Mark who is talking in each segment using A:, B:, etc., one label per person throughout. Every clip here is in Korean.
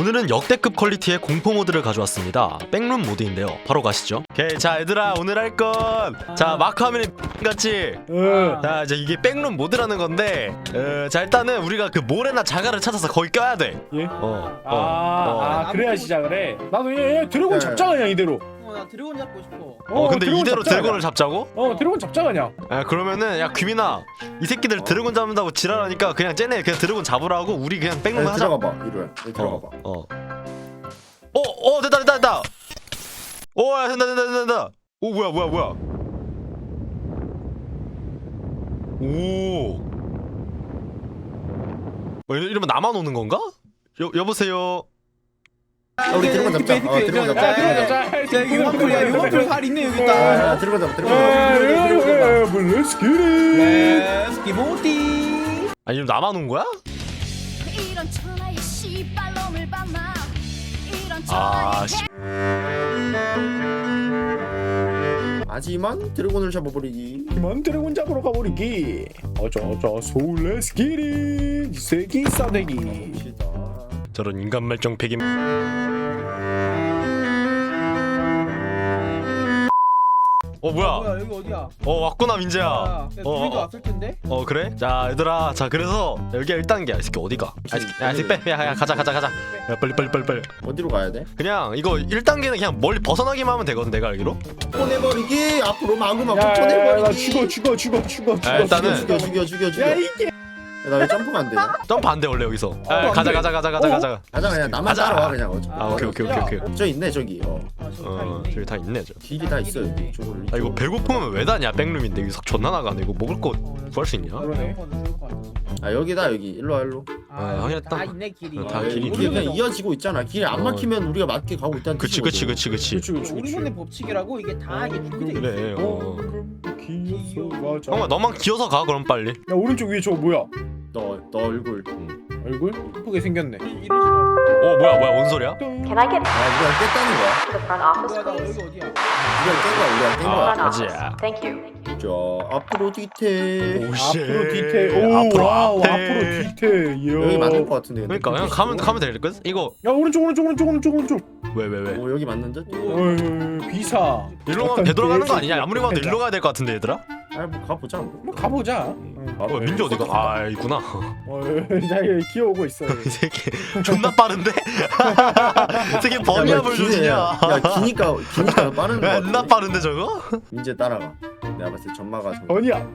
A: 오늘은 역대급 퀄리티의 공포 모드를 가져왔습니다. 백룸 모드인데요. 바로 가시죠. 오케이, 자 얘들아, 오늘 할 건 자 마크 화면이 같이 자 이제 이게 백룸 모드라는 건데 자 일단은 우리가 그 모래나 자갈을 찾아서 거기 껴야 돼.
B: 예?
C: 그래야 시작을 해. 나도 얘 드래곤 잡자 그냥 이대로.
D: 나 드래곤 잡고 싶어.
A: 근데
C: 드래곤
A: 이대로
C: 잡자,
A: 드래곤을 잡자고?
C: 드래곤 잡자 그냥.
A: 그러면은 야 귀민아, 이 새끼들 드래곤 잡는다고 지랄하니까 그냥 쟤네 그냥 드래곤 잡으라고 우리 그냥 백룸 하자.
B: 들어가봐 이루야. 들어가봐.
A: 됐다. 야 된다. 오 뭐야. 오. 이러면 나만 오는 건가? 여보세요.
B: 우리 드래곤 잡자. 드래곤 잡자.
C: 잡자.
D: 야 이거 용암풀 살 있네 여기 있다.
B: 드래곤 잡자.
C: Let's get it.
D: 기모티.
A: 아니 이러면 나만 온 거야?
E: 이런 천하의 씨발놈을 봤나 이런
A: 아
E: 천하의
A: 씨.
B: 하지만 드래곤을 잡아버리기.
C: 그만 드래곤 잡으러 가버리기. 어쩌 소울 Let's get it. 이 새끼 싸대기.
B: 시다.
A: 저런 인간 말정 폐기. 뭐야?
D: 여기 어디야?
A: 왔구나 민재야.
D: 야 주민도 왔을 텐데.
A: 그래? 자 얘들아, 자 그래서 여기가 1단계야. 이 새끼 어디가? 이 새끼 빼. 야 가자. 야 빨리.
B: 어디로 가야 돼?
A: 그냥 이거 1단계는 그냥 멀리 벗어나기만 하면 되거든, 내가 알기로.
B: 쳐내버리기. 앞으로 마구마구
C: 나
B: 쳐내버리기.
C: 죽어.
A: 일단은
B: 죽여.
C: 야 이게.
B: 나 왜 점프가 안 되냐?
A: 점프 안 돼 원래 여기서. 가자.
B: 가자 그냥 나만
A: 가자.
B: 따라와 그냥.
A: 오케이.
B: 저 있네 저기.
A: 저기 다 있네 저.
B: 길이 다 있어 여기. 저걸
A: 이거 배고프면 왜 다냐? 백룸인데 여기 석 존나 나가네. 이거 먹을 거 구할 수 있냐?
C: 그러네.
B: 여기다 여기. 일로 와.
A: 확인했다.
D: 다 있네 길이.
A: 다 길이
B: 우리 그냥 이어지고 있잖아. 길이 안 막히면 우리가 맞게 가고 있다는
A: 그치.
D: 우리만의 법칙이라고 이게 다 이게 준비돼 있어.
A: 그래.
C: 기어서 가자.
A: 형아 너만 기어서 가 그럼 빨리.
C: 야 오른쪽 위에 저거 뭐야?
B: 너 얼굴.
C: 얼굴? 예쁘게 생겼네.
D: 이런 식으로.
A: 뭐야 뭔 소리야?
F: Can I get
B: 우리가 깼다는 거야.
F: to the front office,
D: 나
F: please?
D: 여기 어디야?
B: 우리가 깬 거야.
F: Front office.
A: 맞아.
F: Thank you.
B: 자 앞으로 뒤태.
C: 앞으로 뒤태.
A: 앞으로 앞에.
C: 앞으로 뒤태.
B: 여기 맞는 거 같은데. 근데.
A: 그러니까 그냥 가면 될 거야. 이거
C: 야 오른쪽.
A: 왜?
B: 여기 맞는데?
C: 비사.
A: 일로 가면 되돌아가는 거 아니냐? 아무리 봐도 일로 가야 될 것 같은데 얘들아?
B: 뭐 가보자.
C: 뭐 가보자.
A: 민재 어디가? 있구나.
C: 자 기어오고 있어.
A: 이 새끼 존나 빠른데? 이 새끼 버니압을 조지냐?
B: 야 기니까 빠른 거.
A: 존나 빠른데 저거?
B: 민재 따라가. 내가 봤을 때 전마가 좀.
C: 번이야.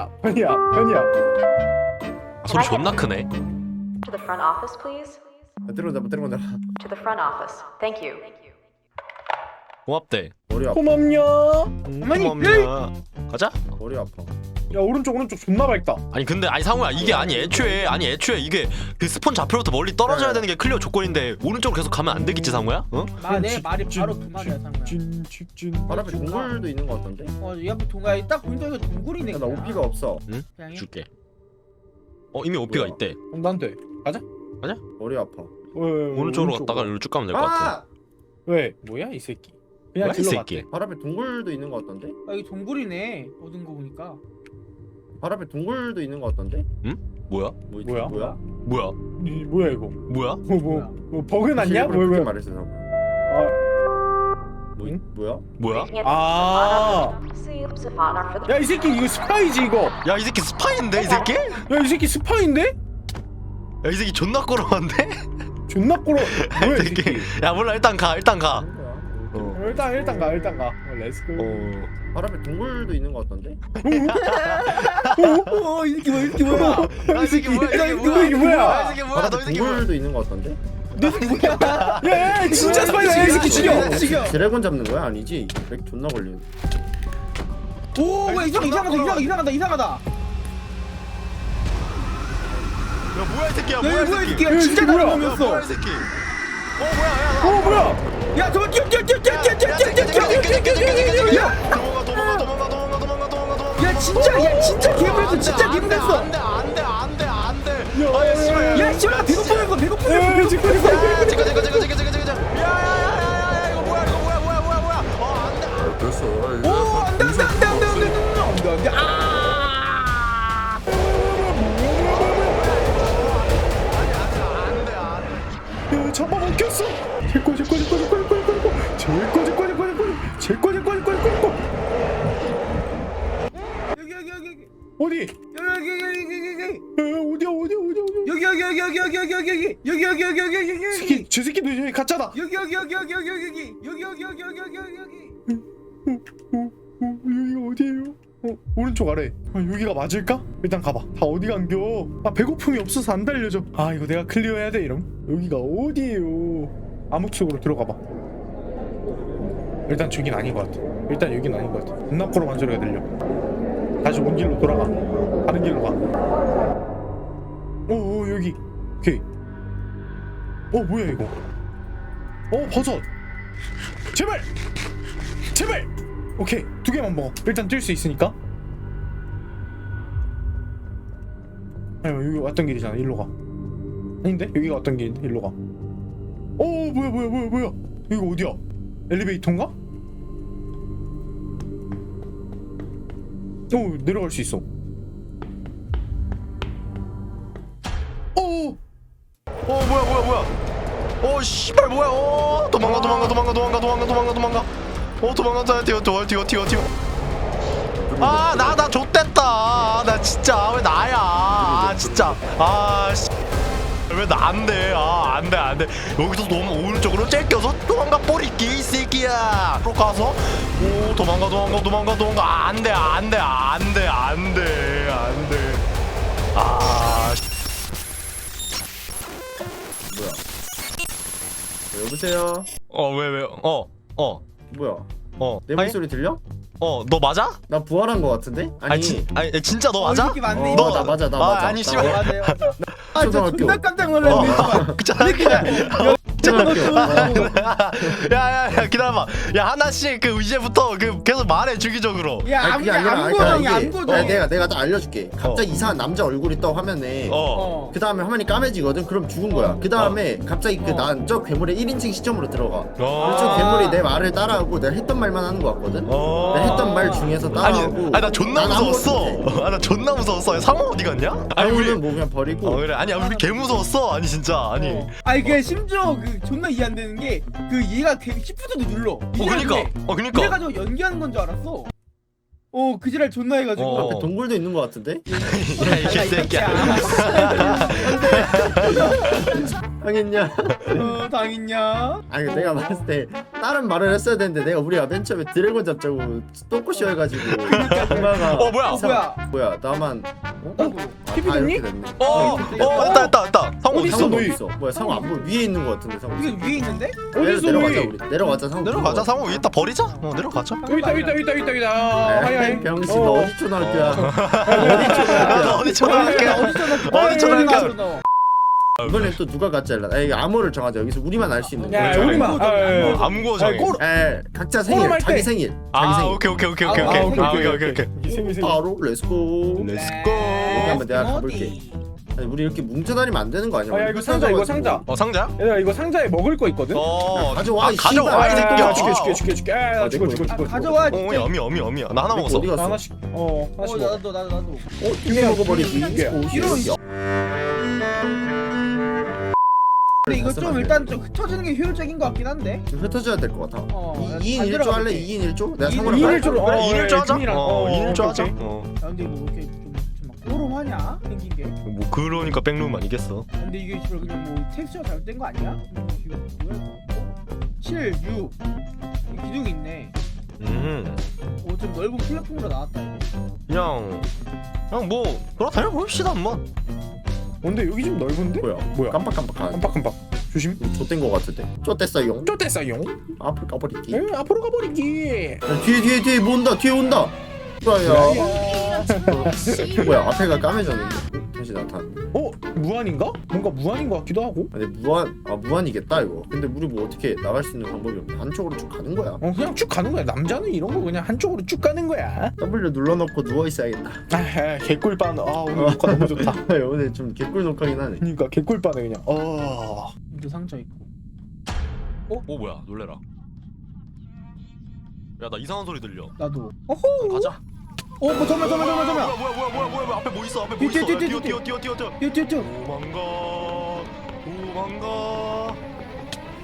A: 소리 존나 크네.
F: To the front office, please?
B: 들어온다.
F: To the front office. Thank you.
A: 고맙대.
B: 머리 아파.
C: 고맙냐?
A: 고맙냐? 가자.
B: 머리 아파.
C: 야 오른쪽 존나 밝다.
A: 근데 상우야, 이게 애초에 이게 그 스폰 좌표로부터 멀리 떨어져야 되는 게 클리어 조건인데 오른쪽으로 계속 가면 안 되겠지 상우야? 어?
D: 내 말이 바로 그 말이야 상우야.
C: 직진.
B: 바로 앞에 동굴도 있는 거 같던데?
D: 이 앞에 동굴 딱 보니까 이거 동굴이네.
B: 나 오피가 없어.
D: 그냥
A: 줄게. 이미 오피가
B: 뭐야?
A: 있대.
C: 난돼.
B: 머리 아파.
A: 오른쪽으로 갔다가 이리로 쭉 가면 될 것 같아.
C: 왜? 뭐야 이 새끼? 그냥
A: 뭐야, 이
C: 길로
A: 새끼?
C: 갔대.
B: 바로 앞에 동굴도 있는 거 같던데?
D: 여기 동굴이네. 얻은 거 보니까.
B: 바로 앞에 동굴도 있는 거 같던데?
A: 뭐야?
C: 뭐야?
B: 뭐야?
C: 뭐야 이거?
A: 뭐야?
C: 뭐 버그 났냐?
B: 그렇게
C: 뭐야?
B: 말했어.
C: 응?
B: 뭐야?
A: 뭐야?
F: Making it
C: 아.
F: See, Savannah for the
C: 야 이 새끼 이거 스파이지 이거.
A: 야 이 새끼 스파인데 이 새끼?
C: 야 이 새끼 스파인데?
A: 야 이 새끼 존나 꼬러운데?
C: 존나 꼬러. 뭐야
A: 이
C: 이 새끼?
A: 야 몰라, 일단 가.
B: 그런 거야.
C: 일단 가. 렛츠고.
B: 바로 앞에 동굴도 있는 거 같던데?
D: 이 새끼 뭐야?
A: 야, 이 새끼 뭐야?
C: 이게 뭐야?
A: 이 새끼
B: 바로
A: 뭐야?
B: 앞에
A: 너 이 새끼 뭐야?
B: 동굴도 있는 거 같던데?
C: 야 진짜 스파이야 이 새끼 죽여.
B: 드래곤 잡는 거야? 아니지? 렉 존나 걸리는.
D: 오, 이상하다.
A: 야 뭐야 이 새끼야?
D: 뭐야 이
C: 야,
D: 새끼야?
C: 이
D: 진짜
C: 새끼 뭐야?
D: 나쁜 놈이었어.
A: 뭐야 이 새끼?
C: 뭐야?
D: 야, 저거 뛰어.
A: 도망가.
D: 야, 진짜 개불했어. 진짜 개불했어.
A: 안돼.
D: 야, 씨발 배고프는 거.
A: 야야야야야, 이거 뭐야?
B: 됐어.
D: 오, 안돼.
C: 잡아볼게. 꼈어. 제꺼.
D: 여기.
C: 어디?
D: 여기.
C: 저 새끼 너 저기 가짜다.
D: 여기.
C: 여기가 어디예요? 오른쪽 아래. 여기가 맞을까? 일단 가봐. 다 어디 간겨? 배고픔이 없어서 안 달려져. 이거 내가 클리어해야 돼 이럼. 여기가 어디예요? 암흑 속으로 들어가봐. 일단 저긴 아닌 것 같아. 일단 여긴 아닌 것 같아. 눈나코로만 소리가 들려. 다시 온 길로 돌아가. 다른 길로 가. 여기. 오케이. 뭐야 이거? 버섯. 제발. 오케이. 2개만 먹어. 일단 뛸 수 있으니까. 여기 왔던 길이잖아. 일로 가. 아닌데? 여기가 왔던 길인데 일로 가. 뭐야? 여기 어디야? 엘리베이터인가? 내려갈 수 있어.
A: 뭐야. 씨발 뭐야. 도망가. 도망가. 뛰어. 나 좆됐다. 나 진짜 왜 나야. 진짜. 왜 나 안 돼? 안 돼. 여기서 너무 오른쪽으로 째껴서 도망가 버리기 이 새끼야. 로 가서 도망가. 안 돼.
B: 뭐야? 여보세요?
A: 왜?
B: 뭐야? 내
A: 아니?
B: 목소리 들려?
A: 너 맞아?
B: 나 부활한 거 같은데? 아니
A: 진짜 너 맞아?
D: 이렇게 맞네.
B: 너 나 맞아.
A: 아니 씨발.
D: 맞아요. 진짜
B: 초등학교.
D: 존나 깜짝 놀랐네.
A: 야 기다려봐. 야 하나씩 이제부터 계속 말해 주기적으로.
D: 야,
B: 그게 아니라
D: 암고정이
B: 이게
D: 암고정.
B: 내가 딱 알려줄게. 갑자기 이상한 남자 얼굴이 떠 화면에. 그 다음에 화면이 까매지거든? 그럼 죽은 거야. 그 다음에 갑자기 난 저 괴물의 1인칭 시점으로 들어가. 그래서 저 괴물이 내 말을 따라하고 내가 했던 말만 하는 거 같거든? 내가 했던 말 중에서 따라하고.
A: 나 존나
B: 난 아무것도
A: 무서웠어.
B: 못해.
A: 나 존나 무서웠어. 상호 어디 갔냐?
B: 상우는 뭐 그냥 버리고.
A: 그래. 아니 우리 개 무서웠어. 아니 진짜. 아니.
D: 그 심지어 존나 이해 안 되는 게 얘가 시프트도 눌러.
A: 그니까.
D: 그래가지고 연기하는 건 줄 알았어. 그 지랄 존나 해가지고.
B: 앞에 동굴도 있는 거 같은데?
A: 야 이 개새끼야.
B: 당했냐?
D: 당했냐?
B: 아니 내가 봤을 때 다른 말을 했어야 되는데 내가 우리가 맨 처음에 드래곤 잡자고 똥꼬쇼 해가지고 엄마가
A: 뭐야?
B: 뭐야 나만
C: TV 됐니?
B: 됐네.
A: 됐다. 상호
C: 어디
A: 있어.
C: 있어,
B: 상우
C: 너희?
B: 있어. 뭐야 상우 안 보여? 위에 있는 거 같은데 상우.
D: 이게 위에 있는데?
C: 어디서
B: 내려가자
C: 너희?
B: 우리. 내려가자 상우.
A: 내려가자. 상호 이따 버리자. 내려가자.
C: 여기 있다. 하이.
B: 병신 너 어디 초등학교야?
A: 어디 초등학교? 어디 초등학교?
B: 이번엔 또 누가 가짜일라? 암호를 정하자. 여기서 우리만 알 수 있는
C: 야,
B: 거.
C: 우리만.
A: 암고 정해.
B: 각자 생일,
C: 꼬름할
B: 자기
C: 때.
B: 생일, 자기 생일.
A: 오케이.
B: 바로 렛츠고.
A: 렛츠고.
B: 여기 한번 내가 가볼게. 아니 우리 이렇게 뭉쳐 다니면 안 되는 거 아니야?
C: 이거 상자.
A: 상자?
C: 얘들아 이거 상자에 먹을 거 있거든.
B: 가져와.
A: 가져와 이 새끼야.
C: 줄게. 죽어.
D: 가져와.
A: 어미야. 나 하나 먹었어.
B: 어디 갔어?
C: 하나씩. 하나씩 먹어.
D: 나도.
B: 두개 먹어버리기.
D: 이런 근데 이거 좀 일단 좀 흩어지는 게 효율적인 것 같긴 한데.
B: 좀 흩어져야 될 것 같아. 2인
D: 잘
B: 1조
D: 들어가
B: 할래?
D: 볼게.
B: 2인 1조? 내가
C: 2인
B: 상호랑
C: 1조로.
A: 그래 2일조 하자.
C: 준이랑.
A: 2일조 하자.
C: 오케이.
D: 근데 이거 이렇게 좀막 꼬름하냐 생긴 게.
A: 뭐 그러니까 백룸 아니겠어.
D: 근데 이게 지금 그냥 뭐 텍스처가 잘못된 거 아니야? 이거 뭐야? 7, 6 기둥이 있네. 좀 넓은 플랫폼으로 나왔다 이거.
A: 그냥 뭐 그렇다면 봅시다 한번.
C: 근데 여기 좀 넓은데?
B: 뭐야? 깜빡깜빡하네.
C: 깜빡. 조심.
B: 좆된 거 같은데. 좆됐어요.
C: 쫓댔어요.
B: 앞을 까버리기.
C: 앞으로 가버리기.
B: 뒤에 뭐 온다. 뒤에 온다. 뭐야? 뭐야? 앞에가 까매졌는데. 다시 나타났네.
C: 무한인가? 뭔가 무한인 것 같기도 하고.
B: 아니 무한이겠다 이거. 근데 우리 뭐 어떻게 나갈 수 있는 방법이 없네. 한쪽으로 쭉 가는 거야.
C: 그냥 쭉 가는 거야. 남자는 이런 거 그냥 한쪽으로 쭉 가는 거야.
B: W 눌러놓고 누워 있어야겠다.
C: 개꿀반. 오늘 녹화 너무 좋다.
B: 오늘 좀 개꿀 녹화긴 하네.
C: 그러니까 개꿀반에 그냥.
D: 이거 상자 있고.
A: 뭐야 놀래라. 야 나 이상한 소리 들려.
D: 나도. 어호.
A: 가자.
D: 뭐 잠깐만.
A: 뭐야 앞에 뭐 있어.
D: 뛰어.
A: 도망가.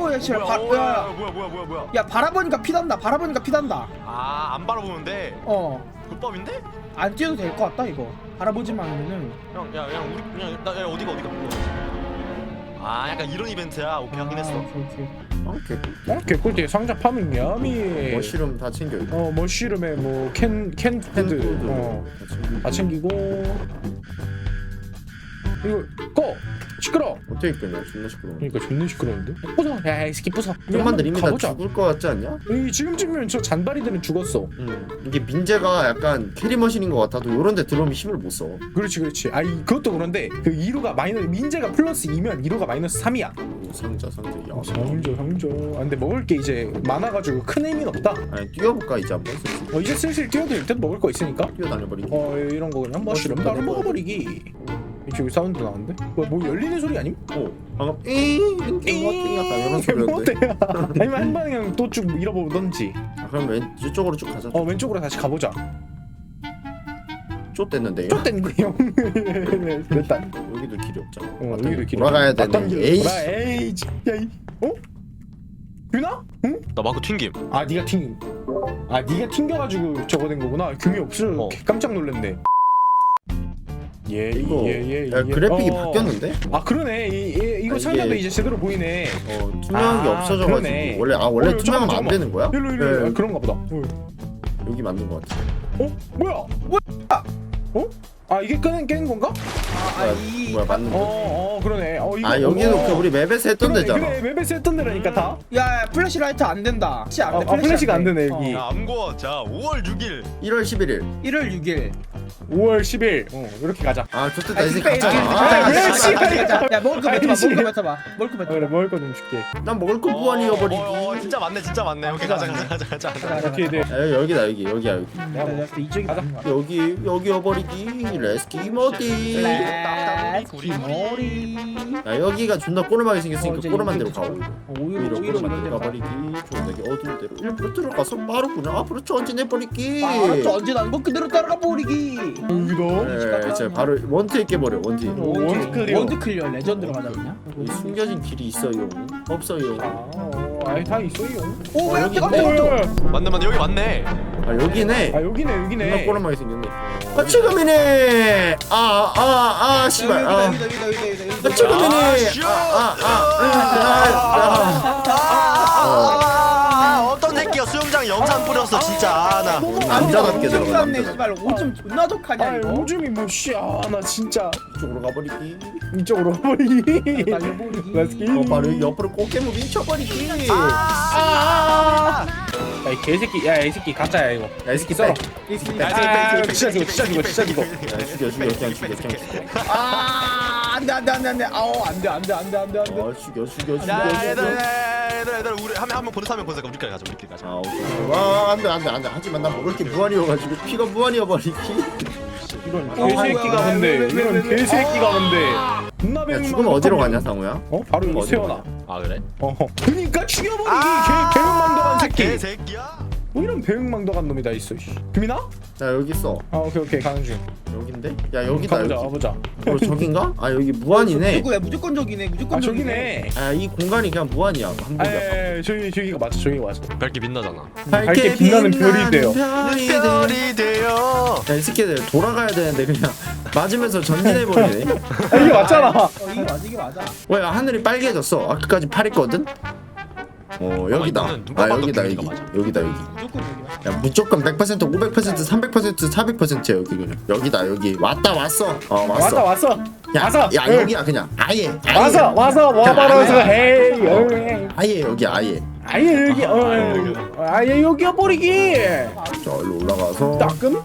D: 야 씨발
A: 뭐야.
D: 야 바라보니까 피난다. 바라보니까 피난다.
A: 아, 안 바라보는데 불법인데?
D: 안 뛰어도 될 것 같다 이거. 바라보지만 않으면은.
A: 형, 야, 우리 그냥 야, 어디가? 아, 약간 이런 이벤트야. 오케이, 확인했어.
D: 오케이.
C: 개꿀띠 상자 파밍 야미.
B: 머쉬룸 다 챙겨. 이거.
C: 머쉬룸에 뭐 캔푸드 다 챙기고. 이거 꺼 시끄러.
B: 어떻게 끄냐? 존나 시끄러워.
C: 그러니까 존나 시끄러운데. 부숴. 야이 새끼 부숴.
B: 좀만 더 이미 다
C: 가보자.
B: 죽을 것 같지 않냐?
C: 이 지금쯤이면 저 잔바리들은 죽었어.
B: 이게 민재가 약간 캐리머신인 것 같아도 요런 데 들어오면 힘을 못 써.
C: 그렇지. 아 그것도 그런데 그 2루가 마이너스 민재가 플러스 2면 2루가 마이너스 3이야.
B: 상자. 야,
C: 상조. 아, 근데 먹을 게 이제 많아가지고 큰 의미는 없다.
B: 아니 뛰어볼까 이제 한번?
C: 이제 슬슬 뛰어도 될 듯 먹을 거 있으니까.
B: 뛰어다녀버리기.
C: 이런 거 그냥 머쉬룸 바로 먹어버리기. 이쪽에 사운드 나는데? 뭐 열리는 소리 아님?
B: 방금 잉 약간 이런 소리였는데.
C: 못해요. 아니면 한 번에 그냥 또 쭉 잃어보던지.
B: 그럼 이쪽으로 쭉 가자.
C: 왼쪽으로 다시 가보자.
B: 쫓댔는데.
C: 쫓댄거요. 됐다.
B: 여기도 길이 없잖아.
C: 여기도 길.
B: 돌아가야
C: 맞던
B: 되는.
C: 길로
B: 에이.
C: 돌아. 에이. 야이. 규나? 응?
A: 나 마크 튕김.
C: 아 네가 튕겨가지고 저거 된 거구나. 규미 없어. 깜짝 놀랐네.
B: 이거
C: 예.
B: 야, 그래픽이 바뀌었는데?
C: 아 그러네. 이거 상자도 이제 제대로 보이네.
B: 투명한 게 없어져가지고
C: 그러네.
B: 원래 투명하면 안 되는 거야?
C: 일로
B: 네.
C: 그런가 보다.
B: 여기 맞는 거 같아.
C: 뭐야? 아 이게 깨는 건가?
B: 뭐야 맞는 거?
C: 그러네. 이거
B: 여기도 그 우리 맵에서 했던 데잖아.
C: 그래 맵에서 했던 데라니까 다.
D: 야 플래시라이트 안 된다.
C: 플래시가 안 되네 여기.
A: 암고. 자, 5월 6일.
B: 1월 11일.
D: 1월 6일.
C: 5월 10일. 이렇게 가자.
B: 좋겠다 이 새끼
C: 왜
B: 가자.
D: 야 먹을 거 뱉어봐.
C: 그래 먹을 거 좀 줄게.
B: 난 먹을 거 무한이어버리기.
A: 진짜 많네. 오케이, 가자.
C: 오케이 네.
B: 여기다 여기야 여기.
D: 이쪽이
C: 가자.
B: 여기여버리기. 레스키모디.
D: 머리.
B: 야 여기가 존나 꼬르마게 생겼으니까
D: 이제
B: 꼬르만 대로
D: 여기
B: 가고.
D: 오히려
B: 꼬르만
D: 이런 데로
B: 가버리기. 존나게 어두운 데로 일부러 들어가서 바로 그냥 앞으로 전진해버리기.
D: 알았죠. 언제나 거 그대로 따라가 버리기.
C: 여기다.
B: 이제 바로 원트에 깨버려 원트.
C: 원트 클리어.
D: 원드 클리어 레전드로 가자 그냥.
B: 숨겨진 길이 있어요. 없어요.
C: 다 있어요.
D: 오
B: 여기
D: 여기
B: 있네.
A: 맞네. 여기 맞네.
B: 여기네.
C: 여기네.
B: 존나 꼬르마게 생겼네. 지금이네. 씨발. 지금이네.
A: 어떤 새끼가 수영장 염산 뿌렸어 진짜. 나
B: 남자답게
D: 오줌
B: 들어가.
D: 쌌네 씨발. 오줌 존나 독하냐 이거.
C: 오줌이 나 진짜
B: 이쪽으로 가버리기.
C: 이쪽으로 가버리기.
D: 날려버리기.
C: 렛츠기.
B: 바로 옆으로 꽃게무 미쳐버리기.
C: 야이 개새끼. 이 새끼 가짜야 이거.
B: 야, 이 새끼
C: 썰어.
B: 진짜
C: 죽여.
B: 야, 죽여 그냥 죽여.
D: 안돼. 아우 안돼.
B: 죽여.
A: 야, 얘들아, 우리 한명 보내서 우리끼리 가자.
B: 오케이. 와, 안 돼. 하지만 난 먹을 게 무한이어가지고 피가 무한이어버리기.
C: 이런 개새끼가 뭔데? 이런 개새끼가 뭔데? 존나
B: 야,
C: 배웅
B: 죽으면 어디로 가냐, 상우야?
C: 바로 여기
B: 어디로
C: 세워놔.
A: 아, 그래?
C: 그니까 죽여버리기. 배웅망덕한 새끼.
A: 개새끼야.
C: 뭐 이런 배웅망덕한 놈이 다 있어. 규민아?
B: 자, 여기 있어.
C: 오케이 가는 중.
B: 여긴데? 야, 여기다, 여기.
C: 가보자.
B: 저긴가? 여기 무한이네.
D: 무조건 저기네. 무조건
C: 저기네.
B: 이 공간이 그냥 무한이야. 한 번이야.
C: 저기가 맞아.
A: 밝게 빛나잖아.
C: 밝게 빛나는 별이 돼요.
A: 별이 돼요.
B: 야, 이 새끼들 돌아가야 되는데 그냥 맞으면서 전진해버리네.
C: 이게 맞잖아.
D: 이게 맞아.
B: 야, 하늘이 빨개졌어. 아까까지 파랬거든? 여기다.
A: 이거는 누가 봐도
B: 여기다.
A: 규민이가 맞아.
B: 여기다.
D: 무조건 저기야.
B: 야, 무조건 100%, 500%, 300%, 400%야 여기 그냥. 여기다. 왔어.
C: 왔어.
B: 야, 여기야 그냥. 아예.
C: 와봐라서 헤이.
B: 아예 여기야. 아예.
C: 아예 여기. 아예 여기야 버리기.
B: 자, 일로 올라가서.
C: 따끔.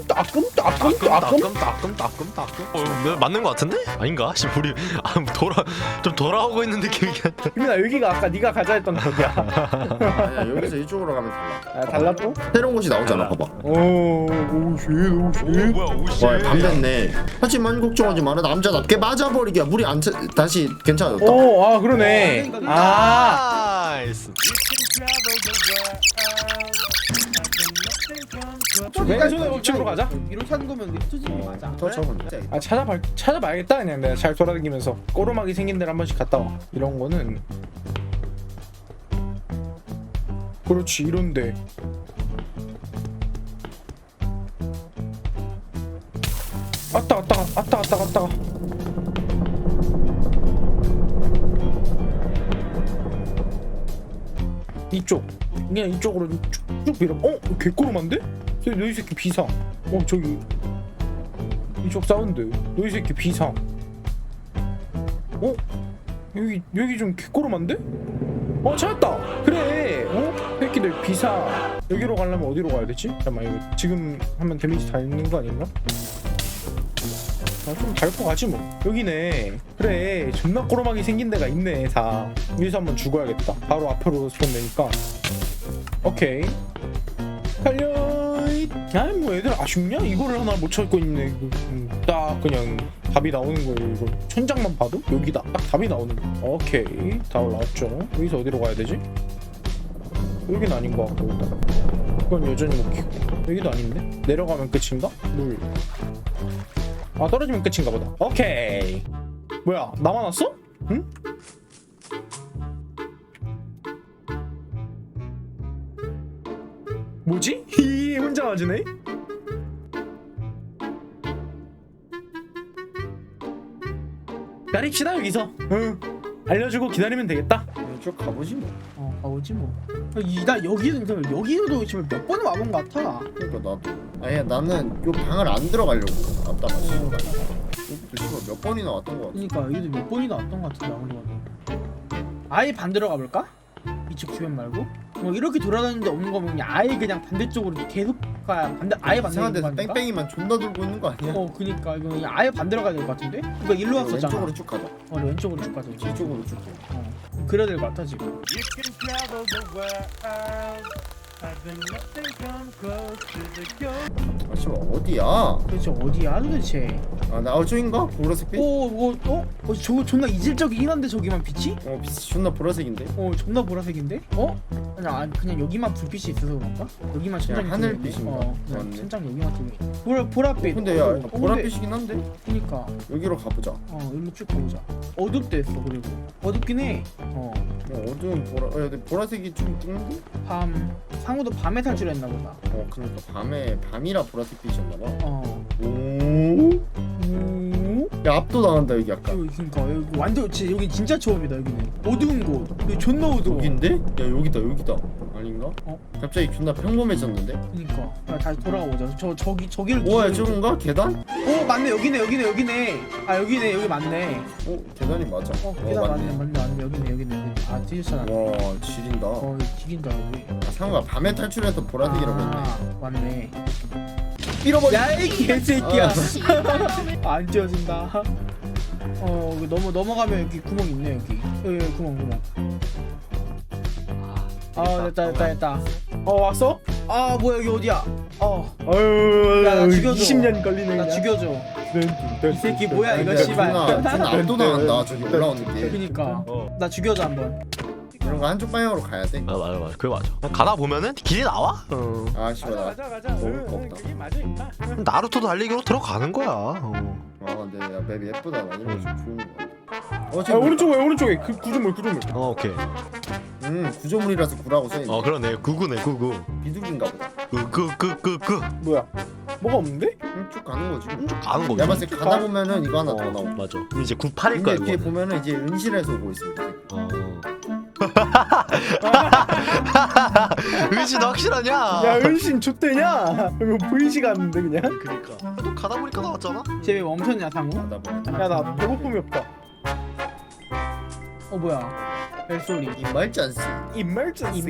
A: 맞는 거 같은데? 아닌가? 우리 좀 돌아오고 있는 느낌이긴 한데.
C: 규민아 여기가 아까 네가 가자 했던 거기야.
B: 아니야, 여기서 이쪽으로 가면 달라.
C: 달라 또?
B: 새로운 곳이 나오잖아. 봐봐.
C: 오쉣.
A: 뭐야, 오씨.
B: 와, 밤 됐네. 하지만 걱정하지 마라. 남자답게 맞아버리기야. 물이 안 다시 괜찮아졌다.
C: 그러네.
A: 나이스.
C: 왼손의 법칙으로 가자.
D: 위로 찾는 거면 흩어지는 게 맞아.
B: 더 적은.
C: 찾아봐야겠다. 그냥 내가 잘 돌아다니면서 꼬르막이 생긴 데를 한 번씩 갔다 와. 이런 거는 그렇지 이런데. 아따. 이쪽 그냥 이쪽으로 쭉 밀어. 개꼬름한데? 너희 새끼 비상. 저기 이쪽 사운드. 너희 새끼 비상. 여기 좀 개꼬름한데? 찾았다. 그래. 새끼들 비상. 여기로 가려면 어디로 가야 되지? 잠깐만 이거 지금 하면 데미지 다 있는 거 아닌가? 좀 밟고 가지 뭐. 여기네. 그래 존나 꼬름하게 생긴 데가 있네. 다 여기서 한번 죽어야겠다. 바로 앞으로 스폰 되니까. 오케이 달려. 아니 뭐 애들 아쉽냐? 이거를 하나 못 찾고 있네. 딱 그냥 답이 나오는 거예요. 이거 천장만 봐도 여기다 딱 답이 나오는 거. 오케이 다 올라왔죠. 여기서 어디로 가야 되지? 여긴 아닌 것 같고 일단 이건 여전히 못 키고. 여기도 아닌데? 내려가면 끝인가? 물. 떨어지면 끝인가 보다. 오케이. 뭐야 나만 왔어? 응? 뭐지? 히 혼자 맞으네? 기다립시다 여기서. 응 알려주고 기다리면 되겠다.
B: 쭉 가보지 뭐.
D: 가보지 뭐. 나 여기도 지금 몇 번을 와본 것 같아.
B: 그러니까 나도. 아니 나는 요 방을 안 들어가려고. 왔다가 씨발. 여기도 몇 번이나 왔던 거 같아.
D: 그러니까 여기도 몇 번이나 왔던 것 같은데 아무리 봐도. 아예 반대로 가볼까? 이쪽 주변 말고? 이렇게 돌아다니는데 없는 거면 그냥 아예 그냥 반대쪽으로 계속 가야 아예 반대로
B: 이상한 데서
D: 가니까?
B: 뺑뺑이만 존나 돌고 있는 거 아니야?
D: 그니까 이거 그냥 아예 반대로 가야 될 것 같은데? 그러니까 일로 왔었잖아.
B: 왼쪽으로 쭉 가자.
D: 왼쪽으로 쭉 가자.
B: 이쪽으로 쭉 가.
D: 그래야 될 것 같아 지금.
B: 아 씨발 어디야?
D: 도대체 어디야 도대체?
B: 나 저인가? 보라색 빛?
D: 저거 존나 이질적이긴 한데 저기만 빛이?
B: 빛이 존나 보라색인데?
D: 존나 보라색인데? 그냥 여기만 불빛이 있어서 그런가? 여기만 천장이
B: 하늘빛인가?
D: 그냥
B: 맞네.
D: 천장 여기만 뜨네. 보랏빛.
B: 근데 야 보라빛이긴 한데?
D: 그니까
B: 여기로 가보자.
D: 일로 쭉 가보자. 어둡대 했어. 그리고 어둡긴 해.
B: 어두운 보라. 근데 보라색이 좀 뜨는데?
D: 상우도 밤에 탈출했나 보다.
B: 그러니까 밤이라 보라색 빛이었나봐.
D: 오.
B: 야 압도당한다 여기 약간.
D: 그러니까 여기 완전 여기 진짜 처음이다. 여기는 어두운 곳. 여기 존나 어두워.
B: 여긴데? 야 여기다 아닌가?
D: 어?
B: 갑자기 존나 평범해졌는데?
D: 그러니까 다시 돌아가 보자. 저기를.
B: 뭐야 저건가? 계단?
D: 맞네. 여기네. 여기 맞네.
B: 계단이 맞아.
D: 계단 맞네. 여기네. 뒤졌잖아.
B: 와 지린다.
D: 지긴다 여기.
B: 상우가 밤에 탈출해서 보라색이라고 했네.
D: 맞네.
B: 잃어버려.
D: 야이 개새끼야. 안 띄워진다. 여기 넘어가면 여기 구멍 있네. 여기 구멍. 됐다.
C: 왔어?
D: 뭐야 여기 어디야?
C: 아유
D: 나 죽여줘.
C: 20년 걸리네.
D: 나 죽여줘. 이 새끼 뭐야 이거 씨발.
B: 존나 압도당한다 저기 올라오는 게.
D: 그니까 나 죽여줘 한번.
B: 이런 거 한쪽 방향으로 가야 돼.
A: 맞아 그게 맞아. 가다 보면은 길이 나와.
B: 아 씨발 나
C: 가자.
B: 먹을 거 없다.
C: 그게 맞아 임마.
A: 나루토 달리기로 들어가는 거야.
B: 근데 야 맵이 예쁘다. 나 이런 거좀 좋은 거 같아.
C: 아 오른쪽에 구조물.
A: 오케이.
B: 구조물이라서 구라고 써있네.
A: 그러네. 구구네 구구.
B: 비둘기인가 보다.
A: 끄.
C: 뭐야? 뭐가 없는데?
B: 쭉 가는 거지.
A: 쭉 가는 거지.
B: 내가 봤을 때 가다 보면은 이거 하나 더 나오고.
A: 맞아. 그럼 이제 98일 거야.
B: 근데 뒤에
A: 이거는.
B: 보면은 이제 은실에서 오고 있습니다.
A: 의지 너 확실하냐?
C: 야 은신 좆대냐? 이거 보이지가 않는데 그냥?
A: 그니까. 또 가다 보니까 나왔잖아.
D: 쟤 왜 멈췄냐 상우?
B: 가다 보면
C: 야 나 배고픔이 없다.
D: 뭐야? 벨소리.
B: 이말짠스.
C: Emergency.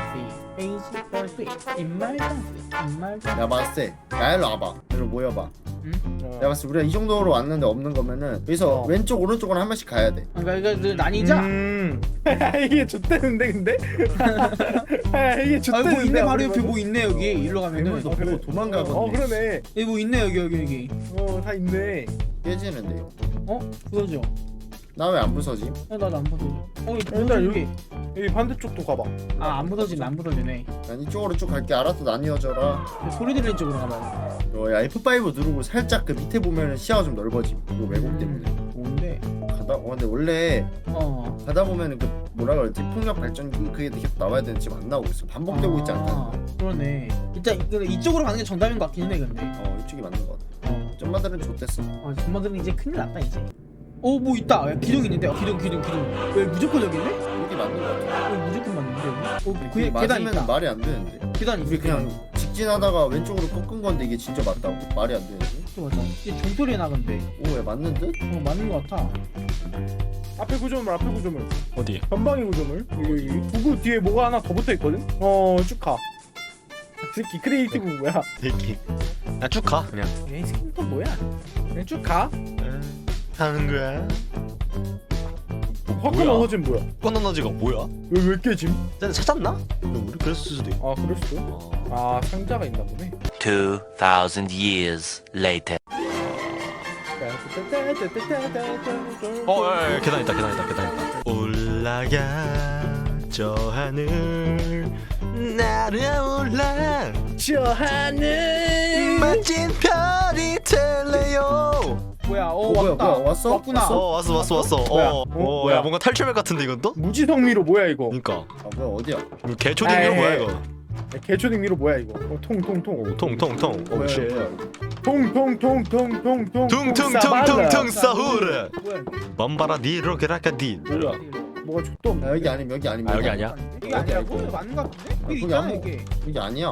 B: 야 봤을 때. 야 일로 와봐. 일로 모여봐. 내가 봤을 때 우리가 이 정도로 왔는데 없는 거면은 여기서 왼쪽 오른쪽으로 한 번씩 가야 돼.
D: 그러니까 이거 나뉘자.
C: 이게 좆대는데 근데? 이게
D: 뭐
C: 좆대는데.
D: 있네 바로 옆에 뭐 있네 여기. 일로 가면은.
B: 괴물도 보고 도망가거든.
C: 그러네.
D: 여기 뭐 있네 여기.
C: 다 있네.
B: 깨지는데.
D: 부서져.
B: 나 왜 안 부서지?
D: 나도 안 부서져.
C: 일단 여기 반대쪽도 가봐.
D: 안 부서지네.
B: 난 이쪽으로 쭉 갈게. 알아서 나뉘어져라.
D: 소리 들리는 쪽으로 가봐.
B: 야 F5 누르고 살짝 그 밑에 보면은 시야가 좀 넓어지. 이거 왜곡 때문에.
D: 뭔데?
B: 근데 원래 가다 보면은 그 뭐라 그러지 폭력 발전기 그게 계속 나와야 되는데 지금 안 나오고 있어. 반복되고 있지 않다는 거야.
D: 그러네. 일단 이쪽으로 가는 게 정답인 것 같긴 해 근데.
B: 이쪽이 맞는 거 같아. 점마들은 좋댔어.
D: 전마들은 이제 큰일 났다 이제. 오 뭐 있다. 야, 기둥 있는데. 기둥. 왜 무조건 여기 있네?
B: 여기 맞는 거 같아.
D: 여기 무조건 맞는데 여기.
B: 그게
D: 계단
B: 맞으면
D: 있다.
B: 말이 안 되는데.
D: 계단 있어.
B: 우리 그냥 직진하다가 왼쪽으로 꺾은 건데 이게 진짜 맞다고? 말이 안 되는데.
D: 맞아. 이게 종소리 나건데.
B: 오, 왜 맞는 듯?
D: 맞는 것 같아.
C: 앞에 구조물
A: 어디?
C: 전방위 구조물 여기 두구 뒤에 뭐가 하나 더 붙어있거든? 쭉 가. 새끼 크리에이티브 뭐야?
A: 새끼. 야쭉 가 그냥.
C: 이 새끼 또 뭐야? 그냥 쭉 가.
A: 하는 거야.
C: 화끈한
A: 뭐야?
C: 허진 뭐야?
A: 꺼너너지가 뭐야?
C: 왜 깨짐?
A: 쟤네 찾았나? 우리 그랬을 수도 있고.
C: 아 그럴 수도? 아 상자가 있나 보네.
G: 2,000 years later.
A: 야, 계단 있다. 올라가 저 하늘 날아올라
C: 저 하늘
A: 멋진 별이 될래요.
D: 뭐야?
B: 뭐야,
D: 왔다.
B: 뭐야, 왔어?
D: 왔구나.
B: 왔어?
A: 왔어.
C: 뭐야?
A: 야
C: 뭐야?
A: 뭔가 탈출맵 같은데 이건 또?
C: 무지성미로 뭐야 이거?
A: 그니까
B: 뭐야 어디야?
A: 개초딩이로
C: 에이.
A: 뭐야 이거?
C: 개초딩미로 뭐야 이거? 통통통
A: 통통통.
B: 뭐야,
A: 오쉣.
B: 뭐야.
C: 통통통통통통
A: 퉁퉁퉁퉁퉁 사후르.
D: 뭐야?
A: 맘바라 니로 게라카디.
C: 뭐야? 뭐가 족도 없네.
B: 여기 아니면 여기 아니면
A: 아, 여기 아니야?
D: 이게 아니라고? 이거 맞는 것 같은데? 여기
B: 거기
D: 있잖아
B: 아무-
D: 이게.
B: 여기 아니야.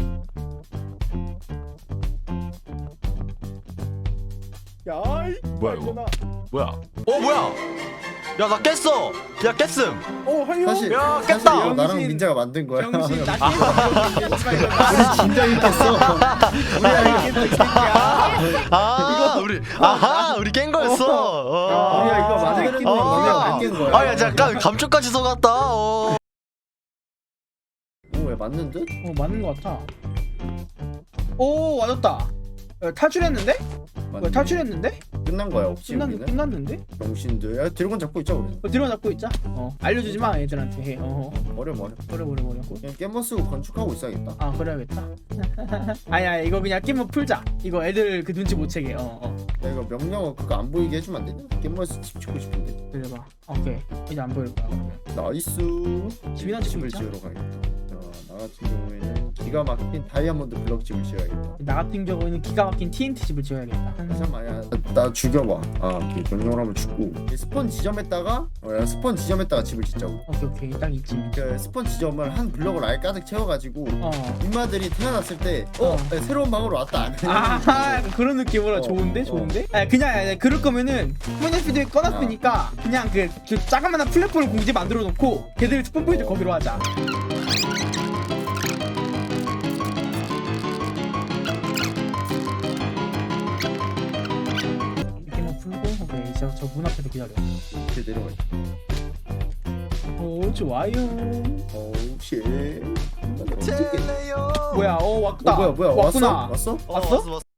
C: 야이
A: 뭐야, 이거?
C: 이거나.
A: 뭐야? 뭐야? 야 나 깼어. 야 깼음.
C: 하여.
B: 사실
A: 야,
B: 사실
A: 깼다.
B: 이거 나랑
D: 병신.
B: 민자가 만든 거야.
D: 병신 나
B: 우리 진짜 힘들었어.
A: 우리 깬 거였어.
B: 우리가 이거 만드는 거 너네가 뺏긴 거야.
A: 아야 잠깐 감쪽까지 속았다.
B: 왜 맞는 듯?
D: 맞는 것 같아. 오 맞았다. 탈출했는데?
B: 맞는
D: 탈출했는데?
B: 끝난 거야 없지 우리는.
D: 끝났는데?
B: 병신들. 야 드래곤 잡고 있자 우리.
D: 뒤로 잡고 있자. 알려주지 마 애들한테. 해.
B: 버려.
D: 버려.
B: 그냥 깻머 쓰고 건축하고 있어야겠다.
D: 아 그래야겠다. 아니야 이거 그냥 게임 풀자. 이거 애들 그 눈치 못 채게.
B: 야 이거 명령어 그거 안 보이게 해주면 안 되냐? 깻머에서 집 짓고 싶은데.
D: 그래봐. 오케이 이제 안 보일 거야 그러면.
B: 나이스.
D: 집이나 짓고
B: 집을
D: 있자.
B: 지으러 가야겠다. 자, 나 같은 경우에는 기가 막힌 다이아몬드 블럭 집을 지어야겠다.
D: 나 같은 경우에는 기가 막힌 TNT 집을 지어야겠다.
B: 잠깐만야, 나 죽여봐. 오케이. 명령을 한번 죽고 스폰 지점에다가 스폰 지점에다가 집을 짓자고.
D: 오케이 딱 있지.
B: 그 스폰 지점을 한 블럭을 아예 가득 채워가지고 인마들이 태어났을 때 새로운 방으로 왔다.
D: 아 그런 느낌으로 좋은데? 그냥 그럴 거면은 스폰피드에 꺼놨으니까 그냥 그 작은 플랫폼을 공지 만들어 놓고 걔들 스폰 포인트 거기로 하자. 이렇게만 풀고 오케이 저 문 앞에서 기다려.
B: 이렇게 내려가.
D: 오 좋아요.
B: 오우 쉣.
D: 뭐야 왔다.
B: 뭐야
D: 왔구나.
B: 왔어?
D: 왔어?